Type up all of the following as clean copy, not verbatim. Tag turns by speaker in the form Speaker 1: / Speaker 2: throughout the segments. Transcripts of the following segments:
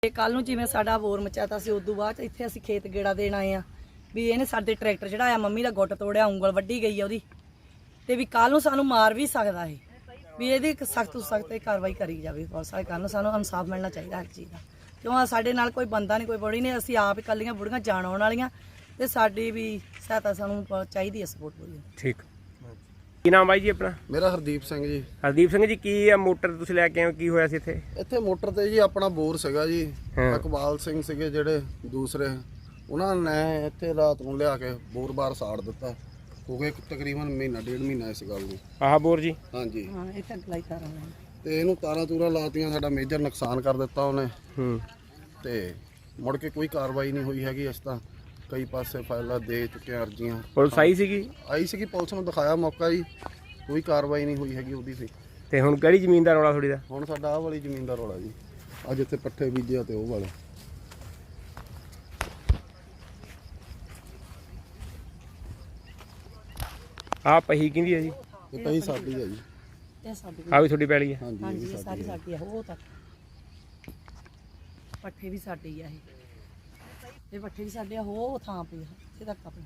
Speaker 1: ਕੱਲ ਨੂੰ ਜਿਵੇਂ ਸਾਡਾ ਬੋਰ ਮਚਾਤਾ ਸੀ ਉਦੋਂ ਬਾਅਦ ਇੱਥੇ ਅਸੀਂ ਖੇਤ ਗੇੜਾ ਦੇਣ ਆਏ ਆ ਵੀ ਇਹਨੇ ਸਾਡੇ ਟਰੈਕਟਰ ਚੜਾਇਆ, ਮੰਮੀ ਦਾ ਗੁੱਟ ਤੋੜਿਆ, ਉਂਗਲ ਵੱਢੀ ਗਈ ਆ ਉਹਦੀ, ਤੇ ਵੀ ਕੱਲ ਨੂੰ ਸਾਨੂੰ ਮਾਰ ਵੀ ਸਕਦਾ ਹੈ। ਵੀ ਇਹਦੀ ਸਖਤ ਤੋਂ ਸਖਤ ਕਾਰਵਾਈ ਕਰੀ ਜਾਵੇ। ਪੁਲਿਸ ਵਾਲੇ ਕੱਲ ਨੂੰ ਸਾਨੂੰ ਇਨਸਾਫ ਮਿਲਣਾ ਚਾਹੀਦਾ ਹਰ ਚੀਜ਼ ਦਾ, ਕਿਉਂ ਸਾਡੇ ਨਾਲ ਕੋਈ ਬੰਦਾ ਨਹੀਂ, ਕੋਈ ਬੜੀ ਨਹੀਂ, ਅਸੀਂ ਆਪ ਇਕੱਲੀਆਂ ਬੁੜੀਆਂ ਜਾਣ ਆਉਣ ਵਾਲੀਆਂ, ਤੇ ਸਾਡੀ ਵੀ ਸਹਾਇਤਾ ਸਾਨੂੰ ਚਾਹੀਦੀ ਹੈ, ਸਪੋਰਟ ਪੂਰੀ।
Speaker 2: ਠੀਕ। ਕੀ ਨਾਮ ਬਾਈ ਜੀ ਆਪਣਾ?
Speaker 3: ਮੇਰਾ ਹਰਦੀਪ ਸਿੰਘ ਜੀ।
Speaker 2: ਹਰਦੀਪ ਸਿੰਘ ਜੀ, ਕੀ ਆ ਮੋਟਰ ਤੁਸੀਂ ਲੈ ਕੇ ਆਏ ਹੋ, ਕੀ ਹੋਇਆ ਸੀ ਇੱਥੇ?
Speaker 3: ਇੱਥੇ ਮੋਟਰ ਤੇ ਜੀ ਆਪਣਾ ਬੋਰ ਸੀਗਾ ਜੀ, ਇਕਬਾਲ ਸਿੰਘ ਸੀਗੇ ਜਿਹੜੇ ਦੂਸਰੇ, ਉਹਨਾਂ ਨੇ ਇੱਥੇ ਰਾਤ ਨੂੰ ਲਿਆ ਕੇ ਬੋਰ ਬਾਹਰ ਸਾੜ ਦਿੱਤਾ। ਹੋ ਗਏ ਤਕਰੀਬਨ ਮਹੀਨਾ ਡੇਢ ਮਹੀਨਾ ਇਸ ਗੱਲ ਨੂੰ।
Speaker 2: ਆਹ ਬੋਰ ਜੀ?
Speaker 3: ਹਾਂਜੀ
Speaker 1: ਹਾਂ, ਇੱਥੇ ਅਪਲਾਈ ਕਰ ਰਹੇ
Speaker 3: ਤੇ ਇਹਨੂੰ ਤਾਰਾਂ ਤੂਰਾਂ ਲਾਤੀਆਂ, ਸਾਡਾ ਮੇਜਰ ਨੁਕਸਾਨ ਕਰ ਦਿੱਤਾ ਉਹਨੇ। ਤੇ ਮੁੜ ਕੇ ਕੋਈ ਕਾਰਵਾਈ ਨਹੀਂ ਹੋਈ ਹੈਗੀ। ਅਸੀਂ ਤਾਂ ਕਈ ਪਾਸੇ ਫਾਈਲਾਂ ਦੇ ਚੁੱਕੇ, ਅਰਜ਼ੀਆਂ।
Speaker 2: ਪੁਲਿਸ ਆਈ ਸੀਗੀ?
Speaker 3: ਆਈ ਸੀਗੀ, ਪੁਲਿਸ ਨੂੰ ਦਿਖਾਇਆ ਮੌਕਾ ਜੀ, ਕੋਈ ਕਾਰਵਾਈ ਨਹੀਂ ਹੋਈ ਹੈਗੀ ਉਹਦੀ।
Speaker 2: ਤੇ ਹੁਣ ਕਿਹੜੀ ਜ਼ਮੀਨ ਦਾ ਰੌਲਾ ਥੋੜੀ ਦਾ?
Speaker 3: ਹੁਣ ਸਾਡਾ ਆਹ ਵਾਲੀ ਜ਼ਮੀਨ ਦਾ ਰੌਲਾ ਜੀ, ਅੱਜ ਇੱਥੇ ਪੱਠੇ ਬੀਜੇ ਤੇ ਉਹ ਵਾਲੇ।
Speaker 2: ਆਹ ਪਹੀ ਕਿਹਦੀ ਹੈ ਜੀ?
Speaker 3: ਇਹ ਪਈ ਸਾਡੀ ਹੈ ਜੀ।
Speaker 1: ਇਹ ਸਾਡੀ
Speaker 2: ਆਹ ਵੀ ਤੁਹਾਡੀ ਪੈਲੀ ਹੈ?
Speaker 1: ਹਾਂਜੀ, ਇਹ ਸਾਰੀ ਸਾਡੀ ਆ। ਉਹ ਤੱਕ ਪੱਠੇ ਵੀ ਸਾਡੀ ਆ, ਇਹ ਪੱਠੇ ਵੀ ਸਾਡੇ ਆ, ਉਹ ਥਾਂ ਪਈ ਇੱਥੇ ਤੱਕ ਆਪਣੀ।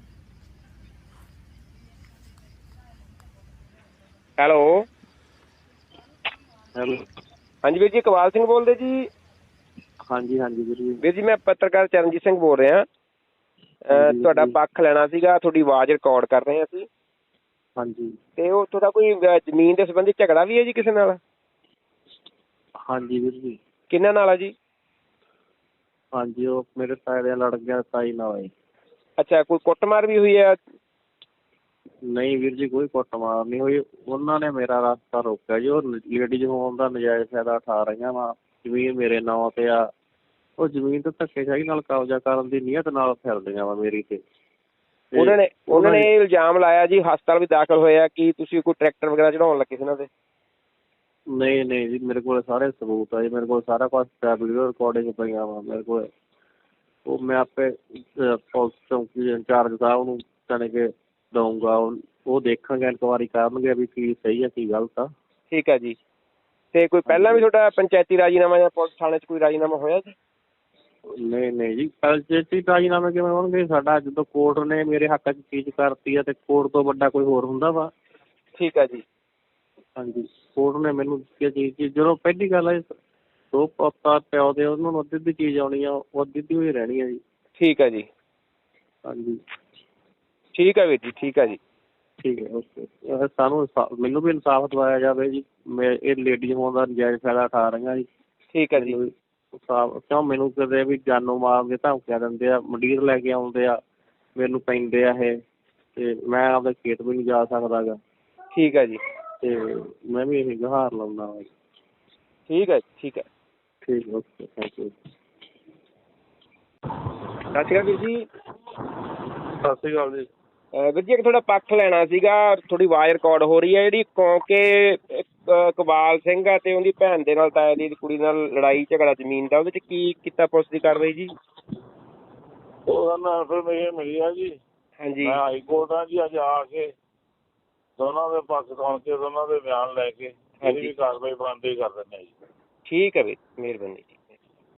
Speaker 2: ਹੈਲੋ
Speaker 4: ਹੈਲੋ,
Speaker 2: ਹਾਂਜੀ ਵੀਰ ਜੀ, ਇਕਬਾਲ ਸਿੰਘ ਬੋਲਦੇ ਜੀ?
Speaker 4: ਹਾਂਜੀ ਹਾਂਜੀ
Speaker 2: ਵੀਰ ਜੀ, ਮੈਂ ਪੱਤਰਕਾਰ ਚਰਨਜੀਤ ਸਿੰਘ ਬੋਲ ਰਿਹਾ। ਤੁਹਾਡਾ ਪੱਖ ਲੈਣਾ ਸੀਗਾ, ਤੁਹਾਡੀ ਆਵਾਜ਼ ਰਿਕਾਰਡ ਕਰ ਰਹੇ ਹਾਂ ਅਸੀਂ।
Speaker 4: ਹਾਂਜੀ।
Speaker 2: ਤੇ ਉਹ ਤੁਹਾਡਾ ਕੋਈ ਜ਼ਮੀਨ ਦੇ ਸੰਬੰਧੀ ਝਗੜਾ ਵੀ ਹੈ ਜੀ ਕਿਸੇ ਨਾਲ?
Speaker 4: ਹਾਂਜੀ ਵੀਰ ਜੀ।
Speaker 2: ਕਿਹਨਾਂ ਨਾਲ ਆ ਜੀ?
Speaker 4: ਹਾਂਜੀ, ਉਹ ਮੇਰੇ ਤਾਏ ਦੇ ਲੜ ਗਿਆ, ਤਾਈ ਨਾਲ ਹੈ।
Speaker 2: ਅੱਛਾ, ਕੋਈ ਕੁੱਟਮਾਰ ਵੀ ਹੋਈ ਹੈ?
Speaker 4: ਨਹੀਂ ਵੀਰ ਜੀ, ਕੋਈ ਕੁੱਟਮਾਰ ਨਹੀਂ ਹੋਈ। ਉਹਨਾਂ ਨੇ ਮੇਰਾ ਰਸਤਾ ਰੋਕਿਆ ਜੀ। ਉਹ ਲੇਡੀਜ਼ ਹੋਣ ਦਾ ਨਜਾਇਜ਼ ਫਾਇਦਾ ਉਠਾ ਰਹੀਆਂ ਵਾ। ਜ਼ਮੀਨ ਮੇਰੇ ਨਾਂ ਤੇ ਆ, ਉਹ ਜ਼ਮੀਨ ਤੇ ਧੱਕੇਸ਼ਾਹੀ ਨਾਲ ਕਬਜ਼ਾ ਕਰਨ ਦੀ ਨੀਅਤ ਨਾਲ ਫਿਰਦੀਆਂ ਵਾ ਮੇਰੀ ਤੇ।
Speaker 2: ਉਹਨਾਂ ਨੇ ਇਹ ਇਲਜ਼ਾਮ ਲਾਇਆ ਜੀ, ਹਸਪਤਾਲ ਵੀ ਦਾਖਲ ਹੋਇਆ, ਕਿ ਤੁਸੀਂ ਕੋਈ ਟਰੈਕਟਰ ਵਗੈਰਾ ਚੜਾਉਣ ਲੱਗੇ ਸੀ ਇਹਨਾਂ ਦੇ?
Speaker 4: ਨਹੀਂ ਜੀ, ਮੇਰੇ ਕੋਲ ਸਾਰੇ ਸਬੂਤ ਆ ਜੀ, ਮੇਰੇ ਕੋਲ ਸਾਰਾ ਕੁਛ ਵੀਡੀਓ ਰਿਕਾਰਡਿੰਗ ਪਈਆਂ ਵਾ ਮੇਰੇ ਕੋਲ। ਉਹ ਮੈਂ ਆਪੇ ਪੁਲਿਸ ਚੌਂਕੀ ਇੰਚਾਰਜ ਸਾਹਿਬ ਨੂੰ ਜਾਣੀ ਕਿ ਦਊਂਗਾ, ਉਹ ਦੇਖਾਂਗੇ, ਇਨਕੁਆਇਰੀ ਕਰਨਗੇ ਵੀ ਕੀ ਸਹੀ ਆ ਕੀ ਗਲਤ ਆ।
Speaker 2: ਠੀਕ ਹੈ ਜੀ। ਤੇ ਕੋਈ ਪਹਿਲਾਂ ਵੀ ਤੁਹਾਡਾ ਪੰਚਾਇਤੀ ਰਾਜੀਨਾਮਾ ਜਾਂ ਪੁਲਿਸ ਥਾਣੇ 'ਚ ਕੋਈ ਰਾਜੀਨਾਮਾ ਹੋਇਆ ਜੀ?
Speaker 4: ਨਹੀਂ ਜੀ, ਪੰਚਾਇਤੀ ਰਾਜੀਨਾਮੇ ਕਿਵੇਂ ਹੋਣਗੇ? ਸਾਡਾ ਜਦੋਂ ਕੋਰਟ ਨੇ ਮੇਰੇ ਹੱਕ 'ਚ ਚੀਜ਼ ਕਰਤੀ ਆ, ਤੇ ਕੋਰਟ ਤੋਂ ਵੱਡਾ ਕੋਈ ਹੋਰ ਹੁੰਦਾ ਵਾ?
Speaker 2: ਠੀਕ ਹੈ ਜੀ।
Speaker 4: ਹਾਂਜੀ, ਕੋਰਟ ਨੇ ਮੈਨੂੰ ਦਿੱਤੀ ਚੀਜ਼, ਜਦੋਂ ਪਹਿਲੀ ਗੱਲ ਹੈ ਦੋ ਪੁੱਤਾਂ ਪਿਓ ਦੇ, ਉਹਨਾਂ ਨੂੰ ਅੱਧੀ ਚੀਜ਼ ਆਉਣੀ ਆ, ਉਹ ਅੱਧੀ ਹੋਈ ਰਹਿਣੀ ਆ ਜੀ।
Speaker 2: ਠੀਕ ਹੈ ਜੀ।
Speaker 4: ਹਾਂਜੀ,
Speaker 2: ਠੀਕ ਹੈ ਵੀਰ ਜੀ, ਠੀਕ ਹੈ ਜੀ।
Speaker 4: ਠੀਕ ਹੈ, ਓਕੇ। ਸਾਨੂੰ ਮੈਨੂੰ ਵੀ ਇਨਸਾਫ ਦਿਵਾਇਆ ਜਾਵੇ ਜੀ। ਮੈਂ ਇਹ ਲੇਡੀ ਹੋਣ ਦਾ ਨਜਾਇਜ਼ ਫਾਇਦਾ ਉਠਾ ਰਹੀਆਂ ਜੀ।
Speaker 2: ਠੀਕ ਹੈ ਜੀ।
Speaker 4: ਕਿਉਂ ਮੈਨੂੰ ਕਦੇ ਵੀ ਜਾਨੋਂ ਮਾਰਨ ਦੇ ਧਮਕੀਆਂ ਦਿੰਦੇ ਆ, ਮੰਡੀਰ ਲੈ ਕੇ ਆਉਂਦੇ ਆ, ਮੈਨੂੰ ਪੈਂਦੇ ਆ ਇਹ, ਤੇ ਮੈਂ ਆਪਦੇ ਖੇਤ ਵੀ ਨਹੀਂ ਜਾ ਸਕਦਾ ਗਾ।
Speaker 2: ਠੀਕ ਹੈ ਜੀ।
Speaker 4: ਤੇ ਮੈਂ ਵੀ ਇਹ ਗੁਹਾਰ ਲਾਉਂਦਾ ਵਾ।
Speaker 2: ਠੀਕ ਹੈ, ਠੀਕ ਹੈ।
Speaker 4: ਠੀਕ, ਓਕੇ, ਥੈਂਕ ਯੂ।
Speaker 2: ਸਤਿ ਸ਼੍ਰੀ ਅਕਾਲ ਵੀਰ ਜੀ।
Speaker 4: ਸਤਿ ਸ਼੍ਰੀ ਅਕਾਲ ਜੀ।
Speaker 2: ਵੀਰ ਜੀ, ਇੱਕ ਤੁਹਾਡਾ ਪੱਖ ਲੈਣਾ ਸੀਗਾ, ਤੁਹਾਡੀ ਆਵਾਜ਼ ਰਿਕਾਰਡ ਹੋ ਰਹੀ ਹੈ। ਜਿਹੜੀ ਕਿਉਂਕਿ ਇਕਬਾਲ ਸਿੰਘ ਆ ਤੇ ਉਹਦੀ ਭੈਣ ਦੇ ਨਾਲ, ਤਾਏ ਦੀ ਕੁੜੀ ਨਾਲ ਲੜਾਈ ਝਗੜਾ ਜ਼ਮੀਨ ਦਾ, ਉਹਦੇ 'ਚ ਕੀ ਕੀਤਾ ਪੁਲਿਸ ਦੀ ਕਾਰਵਾਈ ਜੀ?
Speaker 5: ਉਹਦਾ ਨਾਲ ਇਨਫੋਰਮੇਸ਼ਨ ਮਿਲੀ ਆ ਜੀ।
Speaker 2: ਹਾਂਜੀ।
Speaker 5: ਮੈਂ ਹਾਈ ਕੋਰਟ ਆ ਜੀ, ਅੱਜ ਆ ਕੇ ਦੋਨਾਂ ਦੇ ਪੱਖ ਸੁਣ ਕੇ, ਦੋਨਾਂ ਦੇ ਬਿਆਨ ਲੈ ਕੇ ਇਹਦੀ ਵੀ ਕਾਰਵਾਈ ਬਣਦੀ ਕਰ ਦਿੰਦੇ ਜੀ।
Speaker 2: ਠੀਕ ਹੈ ਵੀਰ, ਮਿਹਰਬਾਨੀ ਜੀ।